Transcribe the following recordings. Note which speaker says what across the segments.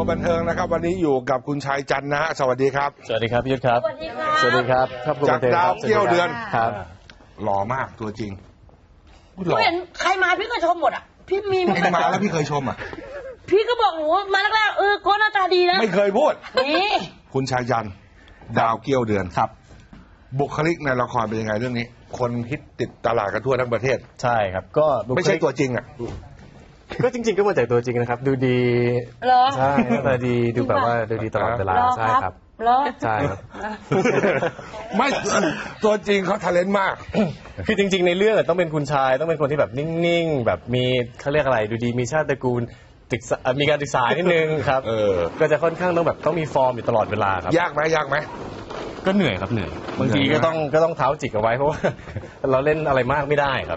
Speaker 1: ว์บันเทิงนะครับวันนี้อยู่กับคุณชายจันทร์นะฮะสวัสดีครับ
Speaker 2: สวัสดีครับพี่ยุทธครับ
Speaker 3: สวัสดีครับ
Speaker 2: สวัสดีครับ
Speaker 1: จากดาวเกี้ยวเดือน
Speaker 2: ครับ
Speaker 1: หล่อมากตัวจริง
Speaker 3: พี่เห็นใครมาพี่ก็ชมหมดอ่ะพี่มี
Speaker 1: เอ็งมาแล้วพี่เคยชมอ่ะ
Speaker 3: พี่ก็บอกหนูมาแรกๆโค้ชหน้าตาดีนะ
Speaker 1: ไม่เคยพูด
Speaker 3: นี่
Speaker 1: คุณชายจันทร์ดาวเกี้ยวเดือนครับบุคลิกในละครเป็นยังไงเรื่องนี้คนฮิตติดตลาดกันทั่วทั้งประเทศ
Speaker 2: ใช่ครับก็
Speaker 1: ไม่ใช่ตัวจริงอ่ะ
Speaker 2: ก็จริงๆก็มาจากตัวจริงนะครับดูดีใช่หน้าตาดีดูแบบว่าดูดีตลอดเวลาใช่ครับใช่ครับ
Speaker 1: ไม่ตัวจริงเขาทาเลนต์มาก
Speaker 2: คือจริงๆในเรื่องต้องเป็นคุณชายต้องเป็นคนที่แบบนิ่งๆแบบมีเขาเรียกอะไรดูดีมีชาติตระกูลมีการศึกษานิดนึงครับก็จะค่อนข้างต้องมีฟอร์มอยู่ตลอดเวลาครับ
Speaker 1: ยากไหม
Speaker 2: ก็เหนื่อยครับเหนื่อยบางทีก็ต้องเท้าจิกเอาไว้เพราะว่าเราเล่นอะไรมากไม่ได้ครับ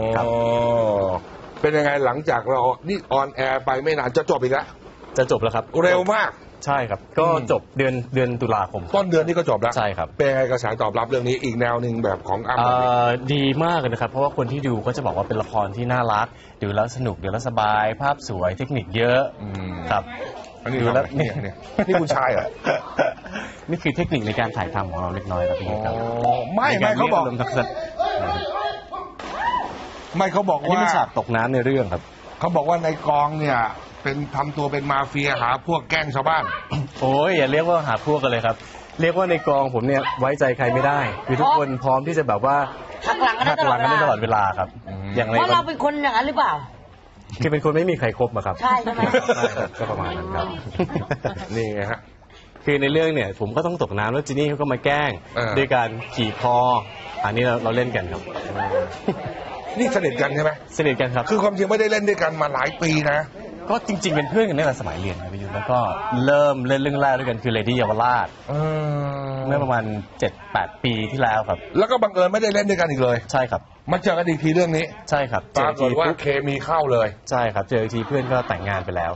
Speaker 1: เป็นยังไงหลังจากเรานี่ออนแอร์ไปไม่นานจะจบอีกแล้ว
Speaker 2: จะจบแล้วครับ
Speaker 1: เร็วมาก
Speaker 2: ใช่ครับก็จบเดือนตุลาคม
Speaker 1: ต้นเดือนนี้ก็จบแล้ว
Speaker 2: ใช่ครับ
Speaker 1: เป็นไงกระแสตอบรับเรื่องนี้อีกแนวหนึ่งแบบของอ้ำ
Speaker 2: ดีมากเลยนะครับเพราะว่าคนที่ดูก็จะบอกว่าเป็นละครที่น่ารักดูแล้วสนุกดูแล้วสบายภาพสวยเทคนิคเยอะครับ
Speaker 1: อันนี้ดูแล้วนี่คุณชายเหรอ
Speaker 2: นี่คือเทคนิคในการถ่ายทำของเราเล็กน้อยครับพี่ครับ
Speaker 1: ไม่เขาบอกไม่เขาบอกว่า
Speaker 2: นี่เป็นฉากตกน้ำในเรื่องครับ
Speaker 1: เขาบอกว่าในกองเนี่ยเป็นทำตัวเป็นมาเฟียหาพวกแกล้งชาวบ้าน
Speaker 2: โอ้ยอย่าเรียกว่าหาพวกกันเลยครับเรียกว่าในกองผมเนี่ยไว้ใจใครไม่ได้คือทุกคนพร้อมที่จะแบบว่า
Speaker 3: หักหลังกันได้
Speaker 2: ตลอดเวลาครับ
Speaker 3: อย่างไรเพราะเราเป็นคนอย่างนั้นหรือเปล่า
Speaker 2: คือเป็นคนไม่มีใครครบอะครับ
Speaker 3: ใช่ใช่ไหม
Speaker 2: ก็ประมาณนั้นครับ
Speaker 1: นี่ไงฮะ
Speaker 2: คือในเรื่องเนี่ยผมก็ต้องตกน้ำแล้วจีนี่เขาก็มาแกล้งด้วยการขี่คออันนี้เราเล่นกันครับ
Speaker 1: นี่สนิทกันใช่ไหม
Speaker 2: สนิทกันครับ
Speaker 1: คือความจริงไม่ได้เล่นด้วยกันมาหลายปีนะ
Speaker 2: ก็จริงๆเป็นเพื่อนกันตั้งแต่สมัยเรียนครับพี่ยุทธแล้วก็เริ่มเล่นเรื่องแรกด้วยกันคือเลดี้เยาวราชเมื่อประมาณ 7-8 ปีที่แล้วครับ
Speaker 1: แล้วก็บังเอิญไม่ได้เล่นด้วยกันอีกเลย
Speaker 2: ใช่ครับ
Speaker 1: มาเจอกันอีกทีเรื่องนี้
Speaker 2: ใช่ครับ
Speaker 1: ปรากฏว่าเคมีเข้าเลย
Speaker 2: ใช่ครับเจออีกทีเพื่อนก็แต่งงานไปแล้ว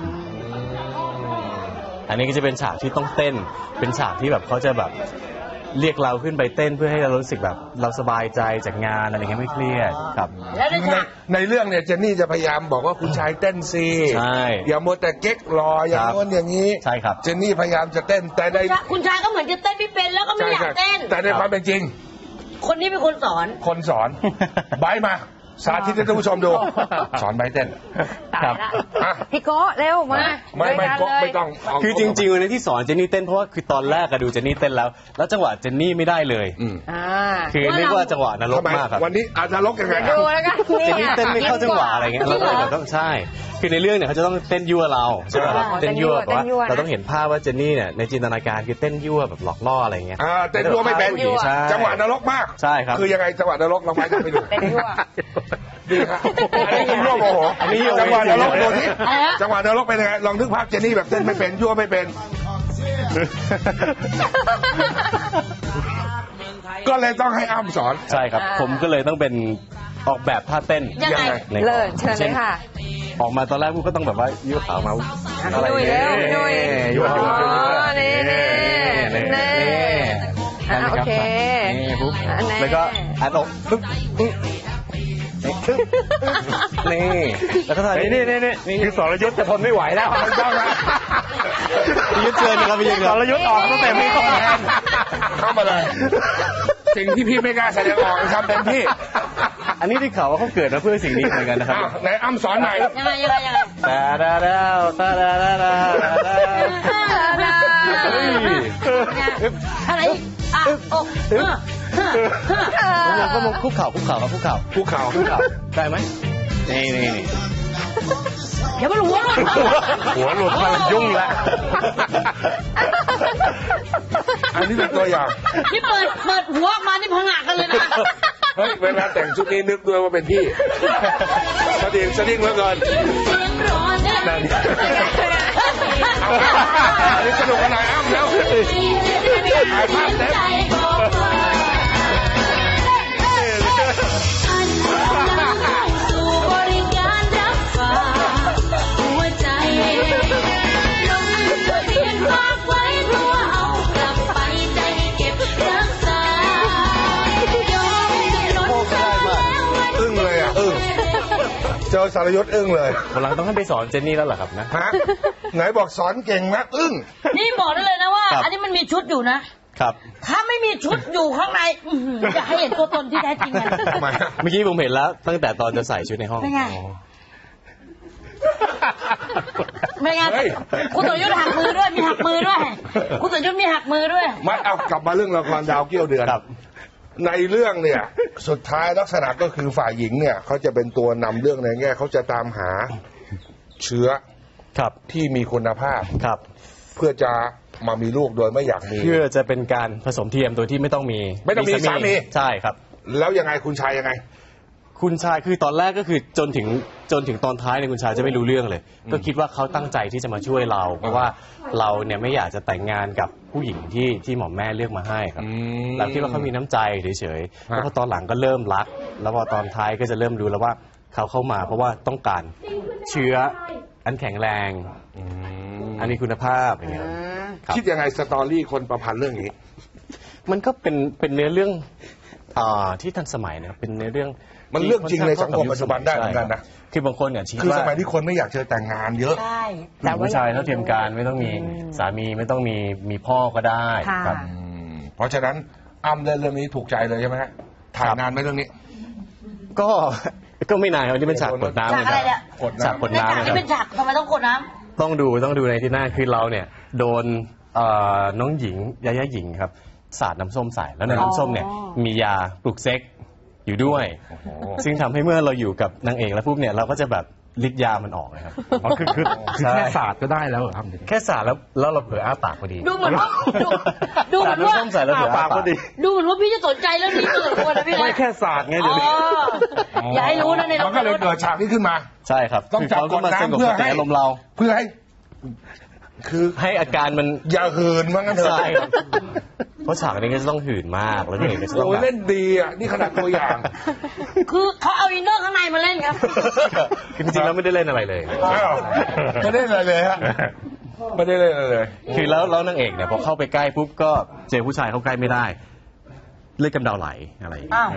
Speaker 2: อันนี้ก็จะเป็นฉากที่ต้องเต้นเป็นฉากที่แบบเขาจะแบบเรียกเราขึ้นไปเต้นเพื่อให้เรารู้สึกแบบเราสบายใจจากงานอะไรเงี้ยไม่เครียดครับ
Speaker 1: ในเรื่องเนี่ยเจนนี่จะพยายามบอกว่าคุณชายเต้นซี
Speaker 2: ใช่
Speaker 1: อย่ามัวแต่เก๊กรออย่างโน้นอย่างนี้
Speaker 2: ใช่ครับ
Speaker 1: เจนนี่พยายามจะเต้นแต่ใน
Speaker 3: คุณชายก็เหมือนจะเต้นไม่เป็นแล้วก็ไม่อยากเต้น
Speaker 1: แต่ในความเป็นจริง
Speaker 3: คนนี้เป็นคนสอน
Speaker 1: ไบมาสาธิตให้ท่านผู้ชมดูสอนใบเต้น
Speaker 3: ครับพี่โก้เร็วมา
Speaker 1: ไม่ต้อง
Speaker 2: คือจริงๆวันนี้ที่สอนเจนนี่เต้นเพราะว่าคือตอนแรกก็ดูเจนนี่เต้นแล้วจังหวะเจนนี่ไม่ได้เลยคือเรียกว่าจังหวะนรกมากครับ
Speaker 1: วันนี้อาจจะนรกยังไง
Speaker 3: ดูแล้วกัน
Speaker 2: เจนนี่เต้นไม่เข้าจังหวะอะไรเงี้ยเราก็เลยต้องใช่คือในเรื่องเนี่ยเขาจะต้องเต้นยั่วเราใช่ไหมครับเต้นยั่วแต่ว่าเราต้องเห็นภาพว่าเจนนี่เนี่ยในจินตนาการคือเต้นยั่วแบบหลอกล่ออะไรเงี้ย
Speaker 1: เต้นยั่วไม่เป็นจังหวะนรกมาก
Speaker 2: ใช่ครับ
Speaker 1: คือยังไงจังหวะนรกเราไปดู
Speaker 3: เต้นยั่ว
Speaker 1: ดีครับอันนี้ยั่วโมโหจังหวะนรกดูที่จังหวะนรกเป็นยังไงลองนึกภาพเจนนี่แบบเต้นไม่เป็นยั่วไม่เป็นก็เลยต้องให้อ้ำสอน
Speaker 2: ใช่ครับผมก็เลยต้องเป็นออกแบบท่าเต้น
Speaker 3: ยังไงเลยเชิญเลยค่ะ
Speaker 2: ออกมาตอนแรกก็ต้องแบบว่ายั่วขาวมา
Speaker 3: อะไรเนี่ย
Speaker 2: ยั่ว
Speaker 3: โอเค
Speaker 2: ปุ๊บแล้วก็อัดอกปุ๊บนี่แล้วก็ถ่ายนี่คือสรยุทธจะทนไม่ไหวแล้วยุทธเชิญนะครับพี่ยุทธ
Speaker 1: สรยุทธออกตั้งแต่ไม่ต้องแทนเข้ามาเลยสิ่งที่พี่ไม่กล้าแสดงออกทำเต็มที่
Speaker 2: อันนี้ที่เขาว่าเขาเกิดมาเพื่อสิ่งนี้เหมือนกันนะครับ
Speaker 1: ไหนอ้ำสอนหน่อย
Speaker 3: ยังไง
Speaker 2: ตาดาดาวตาดาดาดา
Speaker 3: อะไร
Speaker 2: เราก็มองคุกเข่าได้ไหมนี่
Speaker 3: เดี๋ยวมันหัวห
Speaker 2: ลุดมายุ่งแล้ว
Speaker 1: อันนี้เป็นตัวอย่าง
Speaker 3: ที่เปิดหัวมานี่พังงะกันเลยนะ
Speaker 1: เฮ้ยเวลาแต่งชุดนี้นึกด้วยว่าเป็นพี่สดิ้งเหลือเกินอันนี้สนุกขนาดอ้ำแล้วถ่ายภาพเต็มเจอสารยศอึ้งเลย
Speaker 2: วันหลังต้องให้ไปสอนเจนนี่แล้วเหรอครับนะ
Speaker 1: ฮะไหนบอกสอนเก่งนะอึ้ง
Speaker 3: นี่บอกได้เลยนะว่า
Speaker 2: ครับ
Speaker 3: อันนี้มันมีชุดอยู่นะ
Speaker 2: ครับ
Speaker 3: ถ้าไม่มีชุดอยู่ข้างในอยากให้เห็นตัวตนที่แท้จริงมัน
Speaker 1: ทำไมฮะ
Speaker 2: เมื่อกี้ผมเห็นแล้วตั้งแต่ตอนจะใส่ชุดในห้อง
Speaker 3: เป็นไง ไม่งั้น
Speaker 1: เฮ้ย
Speaker 3: คุณสรยุทธ์หักมือด้วยมีหักมือด้วย คุณสรยุทธ์มีหักมือด้วย
Speaker 1: มาเอากลับมาเรื่องละครดาวเกี้ยวเดือน
Speaker 2: ครับ
Speaker 1: ในเรื่องเนี่ย สุดท้ายลักษณะก็คือฝ่ายหญิงเนี่ยเขาจะเป็นตัวนำเรื่องในแง่เขาจะตามหาเชื้อ
Speaker 2: ครับ
Speaker 1: ที่มีคุณภาพ
Speaker 2: ครับ
Speaker 1: เพื่อจะมามีลูกโดยไม่อยากมี
Speaker 2: เพื่อจะเป็นการผสมเทียมโดยที่ไม่ต้องมี
Speaker 1: ไม่ต้องมีสามี
Speaker 2: ใช่ครับ
Speaker 1: แล้วยังไงคุณชายยังไง
Speaker 2: คุณชายคือตอนแรกก็คือจนถึงตอนท้ายเนี่ยคุณชายจะไม่รู้เรื่องเลย ก็คิดว่าเขาตั้งใจที่จะมาช่วยเรา เพราะว่าเราเนี่ยไม่อยากจะแต่งงานกับผู้หญิงที่หมอแม่เลือกมาให้ครับเราคิดว่าเขามีน้ำใจเฉยๆแล้วพอตอนหลังก็เริ่มรัก แล้วพอตอนท้ายก็จะเริ่มรู้แล้วว่าเขาเข้ามาเพราะว่าต้องการเชื้ออันแข็งแรงอันมีคุณภาพอย่างเงี้ยครับ
Speaker 1: คิดยังไงสตอรี่คนประพันธ์เรื่องนี้
Speaker 2: มันก็เป็นเนื้อเรื่องที่ทันสมัยนะครับเป็นเนื้อเรื่อง
Speaker 1: มันเรื่องจริงในสังคมปัจจุบันได้เหมือนกันนะ
Speaker 2: คือบางคนเนี่ยคิด
Speaker 1: คือ
Speaker 2: ว่า
Speaker 1: สมัยที่คนไม่อยากเจอแต่งงานเยอะ
Speaker 3: ใช่
Speaker 2: แต่ผู้ชายเท่าเทียมกันไม่ต้องมีสามีไม่ต้องมีพ่อก็ได้
Speaker 3: ค่ะ
Speaker 2: ครับ
Speaker 1: เพราะฉะนั้นอ้ำเล่นเรื่องนี้ถูกใจเลยใช่ไหมฮะถ่ายนานไหมเรื่องนี้
Speaker 2: ก็ไม่นานครับนี่เป็นฉากกดน้ำ
Speaker 3: ฉากอะไรเนี่ย
Speaker 1: กด
Speaker 2: ฉาก
Speaker 1: น้ำ
Speaker 2: กด
Speaker 3: ใน
Speaker 2: น้ำ
Speaker 3: ฉาก
Speaker 2: นะค
Speaker 3: นี้
Speaker 2: รับ
Speaker 3: เป็นฉากทำไมต้องกดน้
Speaker 2: ต้องดูในที่หน้าคือเราเนี่ยโดนน้องหญิงยาหญิงครับสาดน้ำส้มใส่แล้วในน้ำส้มเนี่ยมียาปลุกเซ็กอยู่ด้วย ซึ่งทำให้เมื่อเราอยู่กับนางเอกแล้วปุ๊บเนี่ยเราก็จะแบบฤทธิ์ยามันออกนะครับ
Speaker 4: อ๋อคือแค่ศาสตร์ก็ได้แล้วเหรอครับ
Speaker 2: แค่สาดแล้วเราเผลออ้าปากพอดี
Speaker 3: ำดูเหมือนว่าดูเหมือนว่า
Speaker 2: สดน้ำส้มใส่แล้วเผลออ้าปากพอดี
Speaker 3: ดูเหมือนว่าพี่จะสนใจเรื่องนี้เกินควรนะพี่นะ
Speaker 4: ไม่แค่ศาสตร์ไง
Speaker 3: อ๋
Speaker 4: เดี๋ยวนี้
Speaker 3: ออย่าให้รู้นะใน
Speaker 1: มันก็เลยเกิดฉากนี้ขึ้นมา
Speaker 2: ใช่ครับ
Speaker 1: ต้องจับ
Speaker 2: คืเขาก็มาสงบ
Speaker 1: กดน้ำเพื่อ
Speaker 2: สติ
Speaker 1: ให้
Speaker 2: อารมณ์เรา
Speaker 1: เพื่อให้ คือ
Speaker 2: ให้อาการมัน
Speaker 1: อย่าหืนว่างั้นเถอะ
Speaker 2: ใช่ครับเพราะฉากนี้ก็จะต้องหื่นมากแล้วนางเอกก็จะต้อง
Speaker 1: โอ้
Speaker 2: แบบ
Speaker 1: เล่นดีอ่ะนี่ขนาดตัวอย่าง
Speaker 3: คือเขาเอาอินเนอร์ข้างในมาเล่นครับ
Speaker 2: คือจริงๆแล้วไม่ได้เล่นอะไรเลย
Speaker 1: อ้าวไม่ได้อะไรเลยฮะไม่ได้เล่นอะไรเลย
Speaker 2: คือแล้วนางเอกเนี่ยพอเข้าไปใกล้ปุ๊บก็เจอผู้ชายเข้าใกล้ไม่ได้เลือดกำเดาไหลอะไรอย่างเงี้
Speaker 3: อ้า
Speaker 2: ยว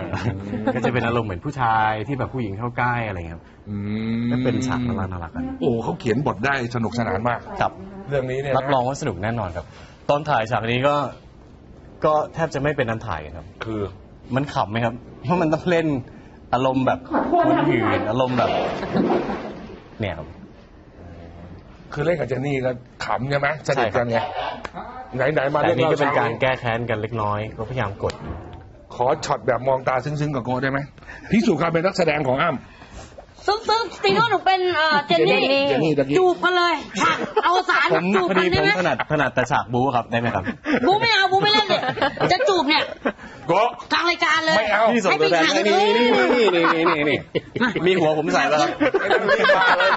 Speaker 2: ก็จะเป็นอารมณ์เหมือนผู้ชายที่แบบผู้หญิงเข้าใกล้อะไรอย่างเงี้ยครับก็เป็นฉากน่ารักกัน
Speaker 1: โอ้เขาเขียนบทได้สนุกสนานมาก
Speaker 2: ครับ
Speaker 1: เรื่องนี้เนี่ย
Speaker 2: รับรองว่าสนุกแน่นอนครับ ตอนถ่ายฉากนี้ก็แทบจะไม่เป็นน้ำถ่ายกันครับ
Speaker 1: คือ
Speaker 2: มันขำไหมครับ เพราะมันต้องเล่นอารมณ์แบบคนหื่นอารมณ์แบบ เนี่ยครับ
Speaker 1: คือเล่นกับเจนนี่ก็ขำใช่ไหมสนิทกันไงไหนๆมา
Speaker 2: แต่
Speaker 1: เรื่อง
Speaker 2: นี่ก็
Speaker 1: เล่า
Speaker 2: เป็น
Speaker 1: เช้า
Speaker 2: การแก้แค้นกันเล็กน้อย ก็พยายามกด
Speaker 1: ขอช็อตแบบมองตาซึ้งๆกับโกได้ไหมพิสูจน์ความเป็นนักแสดงของอ้ำ
Speaker 3: ซึ่งตีว่าหนูเป็นเจนนี่
Speaker 1: เจนนี่ตะกี้
Speaker 3: จูบกันเลยฉากเอาสาร
Speaker 2: ผม
Speaker 3: จูบ
Speaker 2: พอ
Speaker 3: กัน
Speaker 2: ดี
Speaker 3: ได้
Speaker 2: ผม
Speaker 3: ไหม
Speaker 2: ถนัดแต่ฉากบู๊ครับได้ไหมครับ
Speaker 3: บูไม่เอาบูไม่เล่นเลยจะจูบเนี่ย
Speaker 1: โก
Speaker 3: กลางรายการเลย
Speaker 1: ไม่เอา
Speaker 2: พี่ส่งตัวแทน
Speaker 3: ให้
Speaker 2: นี่
Speaker 3: ไปฉาก
Speaker 2: นี่มีหัวผมใส่แล้วครับ
Speaker 1: ไม่ต้องรีบมาเลย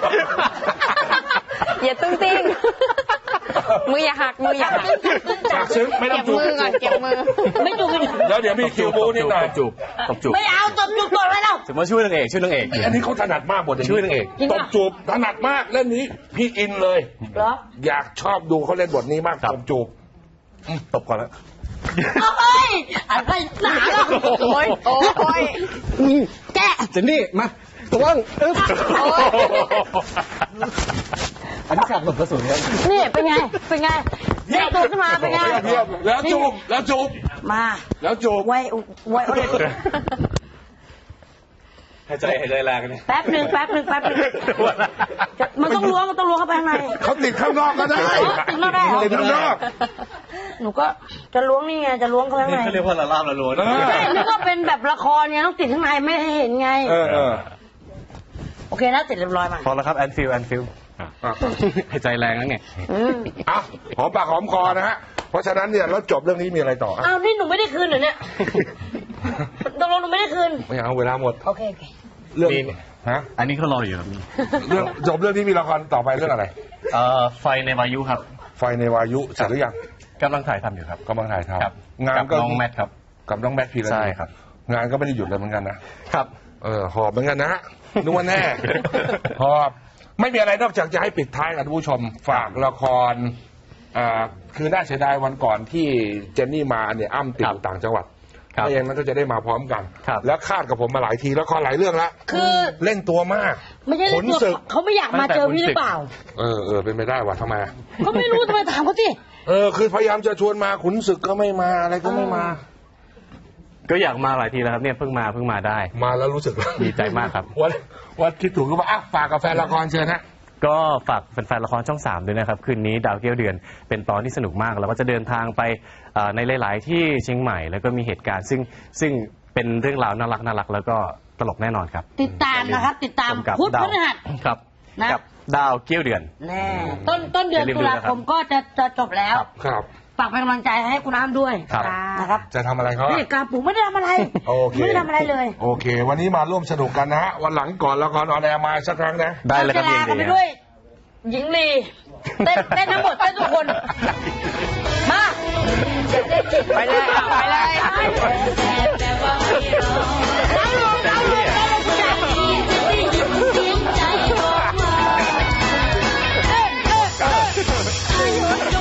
Speaker 5: อย่าตึ้งติ้งมืออย่าหักมืออย่าหัก
Speaker 1: ฉากซึ้งไม่ต้อ
Speaker 5: เก็
Speaker 1: ง
Speaker 5: บ
Speaker 1: จูบ
Speaker 5: มือก่อนเก็บมือ
Speaker 3: ไม่จูบกัน
Speaker 1: แล้วเดี๋ยวมีคิวบูนิดหน่อย
Speaker 2: ตบจูบ
Speaker 3: ไม่เอาตบจูบก่อนเลยเรา
Speaker 2: ถือว่าช่วยนางเอก
Speaker 1: อันนี้เขาถนัดมากบท
Speaker 2: ช่วยนางเอก
Speaker 3: จริง
Speaker 1: ต
Speaker 3: ปะ
Speaker 1: บจูบถนัดมากเล่นนี้พี่อินเลย
Speaker 3: เหรอ
Speaker 1: อยากชอบดูเขาเล่นบทนี้มากตบจูบ
Speaker 2: ตบก่อนแล้ว
Speaker 3: เอ้ยอะไรหนาล่ะ
Speaker 5: โอ้ยโอ้ย
Speaker 3: แกะ
Speaker 2: เจนนี่มาตะวังอึ๊บอันนี้ฉากหลบกระสุนครับ
Speaker 3: นี่เป็นไงเป็นไงเด็กตัวขึ้นมาเป็นไง
Speaker 1: เทียบแล้วจูบแล้วจูบ
Speaker 3: มา
Speaker 1: แล้วจูบ
Speaker 3: ไว้ไว้
Speaker 2: หายใจแรงกันเนี่ย
Speaker 3: แป๊บหนึ่งมันต้องล้วงเข้าไปข้างใน
Speaker 1: เขาติดข้างนอกก็ได้
Speaker 3: ติดข้างนอกได้เหรอ
Speaker 1: ติดข้างนอก
Speaker 3: หนูก็จะล้วงนี่ไงจะล้วงเข้าไปข้าง
Speaker 2: นี่
Speaker 3: ใน
Speaker 2: เขาเรียกว่าละลาบละลวน
Speaker 3: ใช่นี่ก็เป็นแบบละครเนี่ยต้องติดข้างในไม่ให้เห็นไง
Speaker 1: เออ
Speaker 3: โอเคนะติดเรียบร้อยมา
Speaker 2: พอแล้วครับแอนฟิลหายใจแรงนั่นไง
Speaker 1: อ่ะหอมปากหอมคอนะฮะเพราะฉะนั้นเนี่ยแล้วจบเรื่องนี้มีอะไรต่ออ่ะ
Speaker 3: อ้าวนี่หนูไม่ได้คืนเหรอเนี่ยตกลงหนูไม่ได้คืน
Speaker 1: ไม่เอาเวลาหมด
Speaker 3: โอเค
Speaker 1: เรื่อง
Speaker 2: มี
Speaker 1: ฮะ
Speaker 2: อันนี้เขารออยู่ครับมี
Speaker 1: เรื่องจบเรื่องนี้มีละครต่อไปเรื่องอะไร
Speaker 2: ไฟในวายุครับ
Speaker 1: ไฟในวายุเสร็จหรือยัง
Speaker 2: กำลังถ่ายทำอยู่ครับ
Speaker 1: กำลังถ่ายท
Speaker 2: ครับ
Speaker 1: ำงาน
Speaker 2: กับ
Speaker 1: ก็
Speaker 2: น้องแมทครับ
Speaker 1: กับน้องแมทพีระ
Speaker 2: ใช่ครับ
Speaker 1: งานก็ไม่ได้หยุดเลยเหมือนกันนะ
Speaker 2: ครับ
Speaker 1: หอบเหมือนกันนะนึกว่าแน่ หอบไม่มีอะไรนอกจากจะให้ปิดท้ายกับท่านผู้ชมฝากละครคือน่าเสียดายวันก่อนที่เจนนี่มาเนี่ยอ้ำติดอยู่ต่างจังหวัด
Speaker 2: ครับ
Speaker 1: ไม่อย่างนั้นก็จะได้มาพร้อมกัน
Speaker 2: ครับ
Speaker 1: แล้วคาดกับผมมาหลายทีแล้วก็หลายเรื่องละ
Speaker 3: คือ
Speaker 1: เล่นตัวมาก
Speaker 3: ไม่ใช่เรื่อง
Speaker 1: ขนศึ
Speaker 3: ตัว
Speaker 1: ก
Speaker 3: เขาไม่อยากมาเจอพี่หรือเปล่า
Speaker 1: เป็นไปได้ว่ะทำไม
Speaker 3: ก็ไม่รู้ทำไมถามเขาสิ
Speaker 1: คือพยายามจะชวนมาขุนศึกก็ไม่มาอะไรก็ไม่มา
Speaker 2: ก็อยากมาหลายทีแล้วครับเนี่ยเพิ่งมาได้
Speaker 1: มาแล้วรู้สึก
Speaker 2: ดีใจมากครับ
Speaker 1: วันคิดถูกก็ว่าฝากกับแฟนละครเชิญฮะ
Speaker 2: ก็ฝากแฟนๆละครช่อง 3ด้วยนะครับคืนนี้ดาวเกี้ยวเดือนเป็นตอนที่สนุกมากแล้วก็จะเดินทางไปในหลายๆที่เชียงใหม่แล้วก็มีเหตุการณ์ซึ่งเป็นเรื่องราวน่ารักแล้วก็ตลกแน่นอนครับ
Speaker 3: ติดตามนะครับ ติดตาม
Speaker 2: กับ
Speaker 3: พุธ
Speaker 2: ดา
Speaker 3: พ
Speaker 2: ว
Speaker 3: ฤหัส
Speaker 2: ครับ
Speaker 3: นะ
Speaker 2: กับดาวเกี้ยวเดือน
Speaker 3: แน่ต้นเดือน
Speaker 2: อย่าลืม
Speaker 3: ตุลาคมก็จะจบแล้ว
Speaker 1: ครับ
Speaker 3: ฝากเป็นกำลังใจให้คุณน้ำด้วย
Speaker 2: ครับ
Speaker 3: นะครับ
Speaker 1: จะทำอะไรเขา
Speaker 3: นี่กาปูไม่ได้ทำอะไร
Speaker 1: โอเค
Speaker 3: ไม่ได้ทำอะไรเลย
Speaker 1: โอเค วันนี้มาร่วมสนุกกันนะฮะวันหลังก่อนละครออนแอร์มาสักครั้งนะ
Speaker 2: ได้เลยครับ
Speaker 3: เรา
Speaker 2: ยิ
Speaker 3: จะ
Speaker 2: น
Speaker 3: ลากันไป
Speaker 2: ดี
Speaker 3: ด้วย หญิงลีเต้นทั้งหมดเต้นทุกคน มา
Speaker 5: ไปเลยอ่ะไปเลย
Speaker 3: ล้างลงล้างลงล้างลงคุณยายเต้น